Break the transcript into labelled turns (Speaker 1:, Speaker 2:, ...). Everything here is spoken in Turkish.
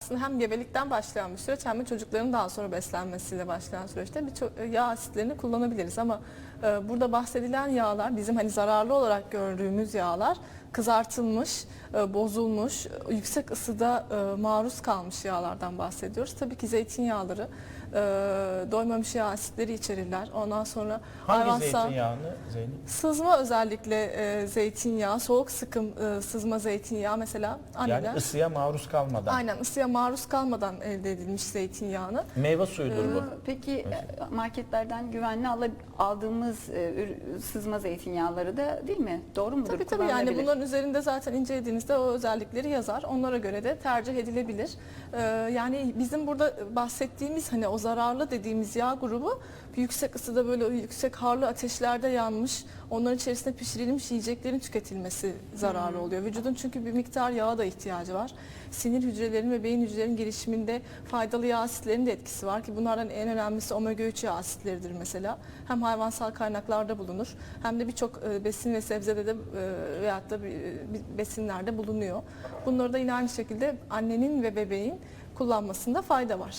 Speaker 1: Aslında hem gebelikten başlayan bir süreç hem de çocukların daha sonra beslenmesiyle başlayan süreçte birçok yağ asitlerini kullanabiliriz. Ama burada bahsedilen yağlar bizim hani zararlı olarak gördüğümüz yağlar kızartılmış, bozulmuş, yüksek ısıda maruz kalmış yağlardan bahsediyoruz. Tabii ki zeytinyağları doymamış yağ asitleri içerirler. Ondan sonra
Speaker 2: Hangi zeytinyağını Zeynep?
Speaker 1: sızma özellikle zeytinyağı, soğuk sıkım sızma zeytinyağı mesela anneler.
Speaker 2: Yani ısıya maruz kalmadan.
Speaker 1: Aynen, ısıya maruz kalmadan elde edilmiş zeytinyağını.
Speaker 2: Meyve suyudur bu.
Speaker 3: Peki marketlerden güvenli aldığımız sızma zeytinyağları da değil mi? Doğru mudur?
Speaker 1: Tabii yani
Speaker 3: Kullanılabilir.
Speaker 1: bunların üzerinde zaten incelediğinizde o özellikleri yazar. Onlara göre de tercih edilebilir. Yani bizim burada bahsettiğimiz hani o zararlı dediğimiz yağ grubu yüksek ısıda böyle yüksek harlı ateşlerde yanmış, onların içerisinde pişirilmiş yiyeceklerin tüketilmesi zararlı oluyor. Vücudun çünkü bir miktar yağa da ihtiyacı var. Sinir hücrelerinin ve beyin hücrelerinin gelişiminde faydalı yağ asitlerinin de etkisi var ki bunlardan en önemlisi omega 3 yağ asitleridir mesela. Hem hayvansal kaynaklarda bulunur hem de birçok besin ve sebzede de veyahut da besinlerde bulunuyor. Bunları da yine aynı şekilde annenin ve bebeğin kullanmasında fayda var.